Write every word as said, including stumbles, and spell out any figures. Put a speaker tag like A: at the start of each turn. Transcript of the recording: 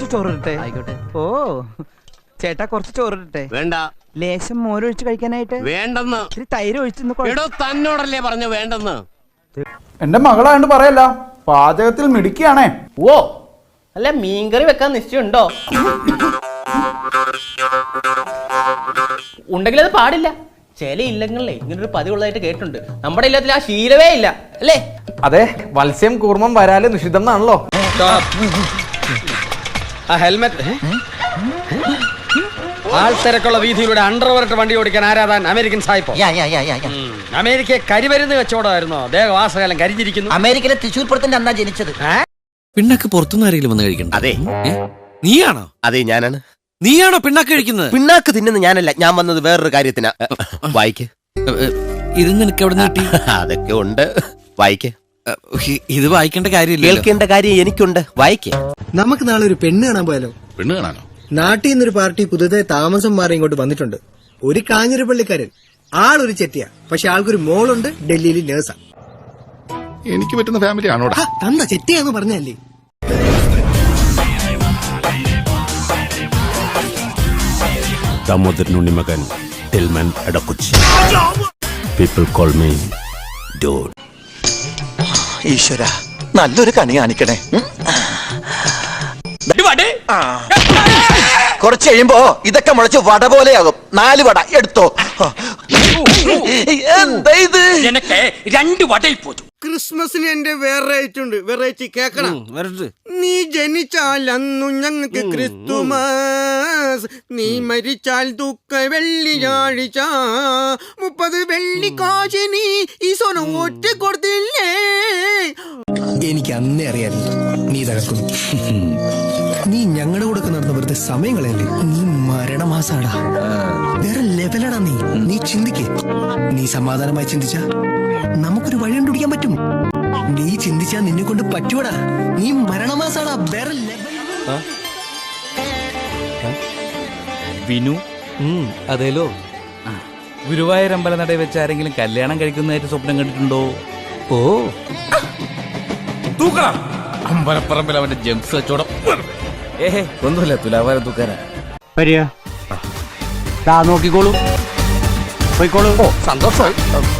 A: കുറച്ച് ചോറിട്ടെ. ആയിക്കോട്ടെ. ഓ ചേട്ടാ കുറച്ച് ചോറിട്ടെ.
B: വേണ്ട.
A: ലേശം മോരൊഴിച്ച് കഴിക്കാനായിട്ട്.
B: വേണ്ടെന്ന്.
A: ഇത്തിരി തൈര് ഒഴിച്ചു.
B: തന്നോടല്ലേ പറഞ്ഞു വേണ്ടെന്ന്.
C: എന്റെ മകളായോണ്ട് പറയല്ല, പാചകത്തിൽ മിടുക്കിയാണേ.
D: ഓ അല്ല, മീൻകറി വെക്കാൻ നിശ്ചയമുണ്ടോ? ഉണ്ടെങ്കിൽ അത് പാടില്ല. ചില ഇല്ലങ്ങളിലെ ഇങ്ങനൊരു പതിവുള്ളതായിട്ട് കേട്ടിട്ടുണ്ട്. നമ്മുടെ ഇല്ലത്തിൽ ആ ശീലവേ ഇല്ല അല്ലേ?
E: അതെ, മത്സ്യം കൂർമ്മം വരാല് നിഷിദ്ധം എന്നാണല്ലോ.
F: ഹെൽമെറ്റ്. ആൾത്തിരക്കുള്ള വീതിയിലൂടെ അണ്ടർവെയർ വണ്ടി ഓടിക്കാൻ ആരാധാൻ അമേരിക്കൻ സായിപ്പോ. അമേരിക്കയെ കരിമരുന്ന് വെച്ചോടായിരുന്നോ? ദേഹവാസകാലം കരിഞ്ഞിരിക്കുന്നു.
G: അമേരിക്കയിലെ തൃശ്ശൂർ പുറത്തിന്റെ അന്നാ ജനിച്ചത്.
H: പിണ്ണാക്ക് പുറത്തുനിന്ന് ആരെങ്കിലും വന്ന് കഴിക്കണ്ട?
B: അതെ.
H: നീയാണോ?
B: അതെ, ഞാനാണ്.
H: നീയാണോ പിണ്ണാക്ക് കഴിക്കുന്നത്?
B: പിണ്ണാക്ക് തിന്നുന്നത് ഞാനല്ല. ഞാൻ വന്നത് വേറൊരു കാര്യത്തിനാ. വായിക്ക്.
H: ഇത് നിനക്ക് എവിടെ നിന്ന് കിട്ടി?
B: അതൊക്കെ ഉണ്ട്. വായിക്ക്.
H: ഇത് വായിക്കേണ്ട കാര്യമില്ല.
B: കേൾക്കേണ്ട കാര്യം എനിക്കുണ്ട്. വായിക്ക്.
I: നമുക്ക് നാളെ ഒരു പെണ്ണ് കാണാൻ പോയാലോ?
F: പെണ്ണ് കാണാനോ?
I: നാട്ടിൽ നിന്നൊരു പാർട്ടി പുതുതായി താമസം മാറി ഇങ്ങോട്ട് വന്നിട്ടുണ്ട്. ഒരു കാഞ്ഞിരപ്പള്ളിക്കാരൻ. ആളൊരു ചെറ്റിയാ, പക്ഷെ ആൾക്കൊരു മോളുണ്ട്, ഡൽഹിയിൽ നേഴ്സാ.
F: എനിക്ക് പറ്റുന്ന ഫാമിലി ആണോടാ?
I: തന്ന ചെറ്റിയാന്ന് പറഞ്ഞല്ലേ.
J: ദാമോദരൻ ഉണ്ണിമകൻ, ടിൽമൻ എടക്കുച്ചി. People call me dod.
G: ഈശ്വര, നല്ലൊരു കണി കാണിക്കണേ. കുറച്ച് കഴിയുമ്പോ ഇതൊക്കെ മുളച്ച് വട പോലെയാകും. നാല് വട എടുത്തോ. എന്താ ഇത്?
F: എനിക്ക് രണ്ട് വടയിൽ പോതു.
I: ക്രിസ്മസിന് എന്റെ വെറൈറ്റി ഉണ്ട്. വെറൈറ്റി കേക്കണം. നീ ജനിച്ചാൽ അന്നു ഞങ്ങൾക്ക് ക്രിസ്തുമസ്, നീ മരിച്ചാൽ ദുഃഖ വെള്ളിയാഴ്ച, മുപ്പത് വെള്ളി കാശിനി ഈശോനെ ഒറ്റ കൊടുത്തില്ലേ. എനിക്ക് അന്നേ അറിയാലോ നീ തകർക്കും. നീ ഞങ്ങളുടെ കൂടെ നടന്ന വെറുതെ സമയങ്ങളല്ലേ. നീ മരണമാസാടാ. വേറെ ലെവലടാ നീ. നീ ചിന്തിക്കേ. നീ സമാധാനമായി ചിന്തിച്ചാ നമുക്കൊരു വഴി കണ്ടുപിടിക്കാൻ പറ്റും. നീ ചിന്തിച്ചാ നിന്നെ കൊണ്ട് പറ്റൂടാ. നീ മരണമാസാടാ. വേറെ ലെവൽ.
H: വിനു. അതേലോ. ഗുരുവായൂർ അമ്പലനടയിൽ വെച്ച് ആരെങ്കിലും കല്യാണം കഴിക്കുന്നതായിട്ട് സ്വപ്നം കണ്ടിട്ടുണ്ടോ? ഓ, അമ്പലപ്പറമ്പിൽ അവന്റെ ജംസ് വെച്ചോടം. ഏഹേ ഒന്നുമില്ല, തുലാഭാരം തൂക്കാനാ.
E: വരിക. നോക്കിക്കോളൂ, പോയിക്കോളൂ.
B: സന്തോഷമായി.